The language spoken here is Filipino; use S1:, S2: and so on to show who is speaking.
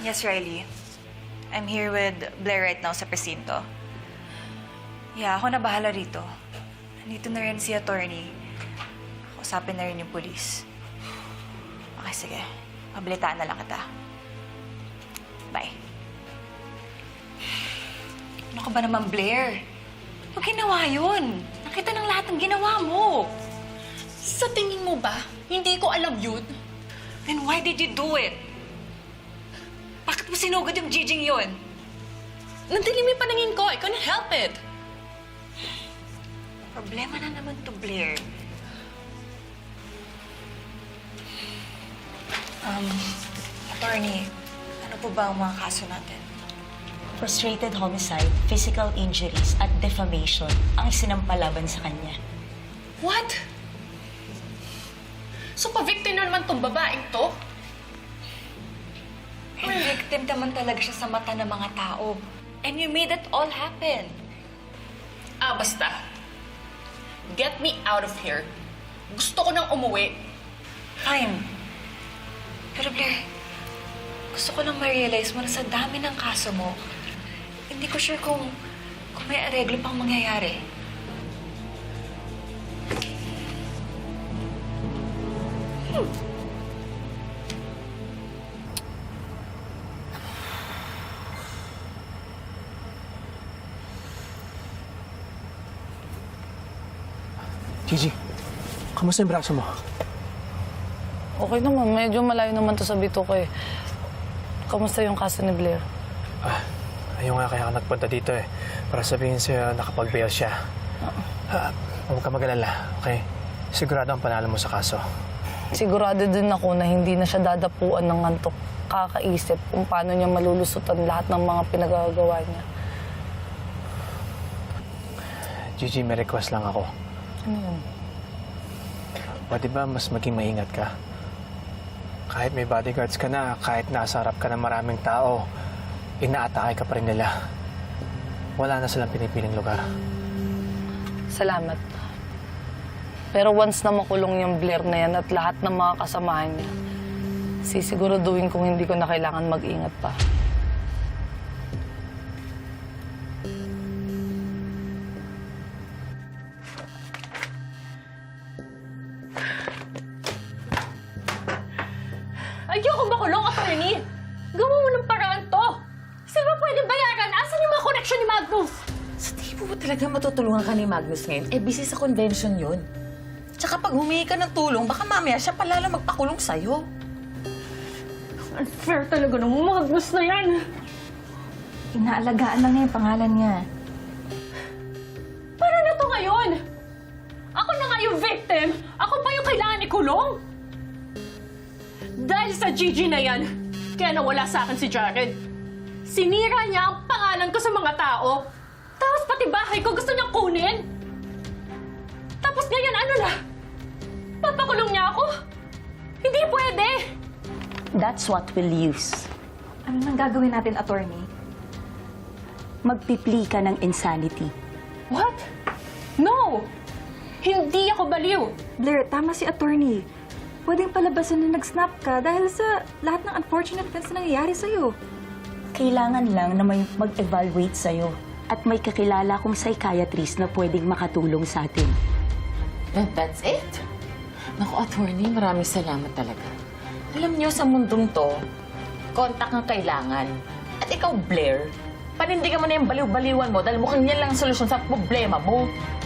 S1: Yes, Riley. I'm here with Blair right now sa presinto. Yeah, ako na bahala rito. Nandito na rin si attorney. Kausapin na rin yung police. Okay, sige. Pabalitaan na lang kita. Bye. Ano ka ba naman, Blair? Huwag ginawa yun. Nakita ng lahat ng ginawa mo.
S2: Sa tingin mo ba, hindi ko alam yun?
S1: Then why did you do it? Bakit mo sinugod yung Jijing yun?
S2: Nandilim yung paningin ko. I couldn't help it.
S1: Problema na naman to, Blair. Attorney, ano po ba ang mga kaso natin?
S3: Frustrated homicide, physical injuries, at defamation ang isinampalaban sa kanya.
S2: What? So, pa-victim na naman tong babaeng to?
S1: And victim naman talaga siya sa mata ng mga tao. And you made it all happen.
S2: Basta. Get me out of here. Gusto ko nang umuwi.
S1: Fine. Pero Blair, gusto ko lang ma-realize mo na sa dami ng kaso mo, hindi ko sure kung may areglo pang mangyayari.
S4: Gigi, kamusta yung braso mo?
S5: Okay naman. Medyo malayo naman to sa bituka eh. Kamusta yung kaso ni Blair?
S4: Ayun nga kaya ka nagpunta dito eh. Para sabihin sa'yo nakapag-bail siya. Huwag ka mag-alala, okay? Sigurado ang panalo mo sa kaso.
S5: Sigurado din ako na hindi na siya dadapuan ng antok. Kakaisip kung paano niya malulusutan lahat ng mga pinagagawa niya.
S4: Gigi, may request lang ako.
S5: Ano yun?
S4: Pwede ba mas maging maingat ka? Kahit may bodyguards ka na, kahit nasa harap ka ng maraming tao, inaatake ka pa rin nila. Wala na silang pinipiling lugar.
S5: Salamat. Pero once na makulong yung Blair na yan at lahat ng mga kasamahan niya, sisiguraduhin kung hindi ko na kailangan mag-ingat pa.
S2: Ayoko makulong, attorney! Gawa mo ng paraan to! Saan ba pwede bayaran? Asan yung mga connection ni Magnus?
S6: Sa tingin mo ba talaga matutulungan ka ni Magnus ngayon? Busy sa convention yun. Tsaka pag humingi ka ng tulong, baka mamaya siya palalo magpakulong sa'yo.
S2: Unfair talaga ng Magnus na yan!
S1: Inaalagaan lang niya yung pangalan niya.
S2: Paano na to ngayon? Ako na nga yung victim! Ako pa yung kailangan ikulong? Dahil sa Gigi na yan, kaya nawala sa akin si Jared. Sinira niya ang pangalan ko sa mga tao. Tapos pati bahay ko gusto niyang kunin. Tapos ngayon ano na? Papakulong niya ako? Hindi pwede!
S3: That's what we'll use.
S1: Ano nang gagawin natin, attorney?
S3: Magpipli ka ng insanity.
S2: What? No! Hindi ako baliw!
S1: Blair, tama si attorney. Pwedeng palabasan na nag-snap ka dahil sa lahat ng unfortunate events na nangyayari sa'yo.
S3: Kailangan lang na may mag-evaluate sa'yo at may kakilala kong psychiatrist na pwedeng makatulong sa atin.
S6: And that's it. Naku, attorney, maraming salamat talaga. Alam niyo, sa mundong to, kontak ang kailangan. At ikaw, Blair, panindigan mo na yung baliw-baliwan mo dahil mukhang yan lang ang solusyon sa problema mo.